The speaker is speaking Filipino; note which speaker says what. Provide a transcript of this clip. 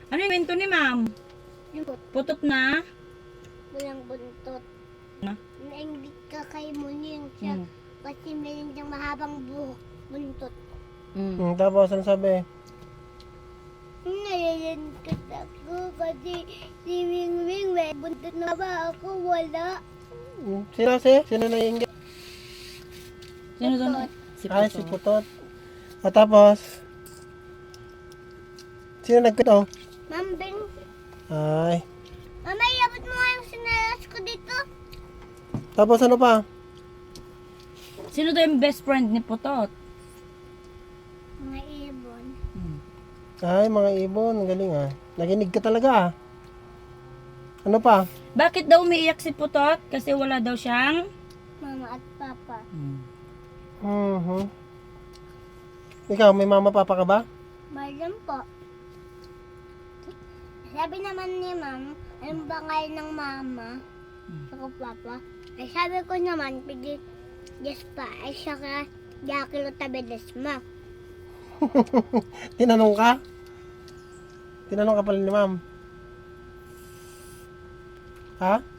Speaker 1: Ano yung kwento ni ma'am?
Speaker 2: Yung
Speaker 1: Putot na?
Speaker 2: walang buntot.
Speaker 1: Na?
Speaker 2: Naingit ka kay Muning siya kasi meron siyang mahabang buhok buntot.
Speaker 3: Tapos, ano sabi?
Speaker 2: Nalilingkit ako kasi si Wingwing may buntot na ba ako? Wala.
Speaker 3: Sino naiinggit?
Speaker 1: Sino doon?
Speaker 2: Putot.
Speaker 1: Si
Speaker 3: Ay,
Speaker 1: Putot.
Speaker 3: si Putot. At tapos, sino nagkwento?
Speaker 2: Ma'am Bing,
Speaker 3: Ay.
Speaker 2: mama, iabot mo nga yung sinalas ko dito.
Speaker 3: Tapos ano pa?
Speaker 1: Sino daw yung best friend ni Putot?
Speaker 2: Mga ibon.
Speaker 3: Ay, mga ibon. Galing ah. Naginig ka talaga ah. Ano pa?
Speaker 1: Bakit daw umiiyak si Putot? Kasi wala daw siyang...
Speaker 2: Mama at papa.
Speaker 3: Ikaw, may mama papa ka ba?
Speaker 2: Malam po. Sabi naman ni ma'am, anong ba ngayon ng mama? Ako papa. Ay sabi ko naman, pwede yes pa. Ay saka, yakilo tabi desma.
Speaker 3: Tinanong ka? Tinanong ka pala ni ma'am. Ha?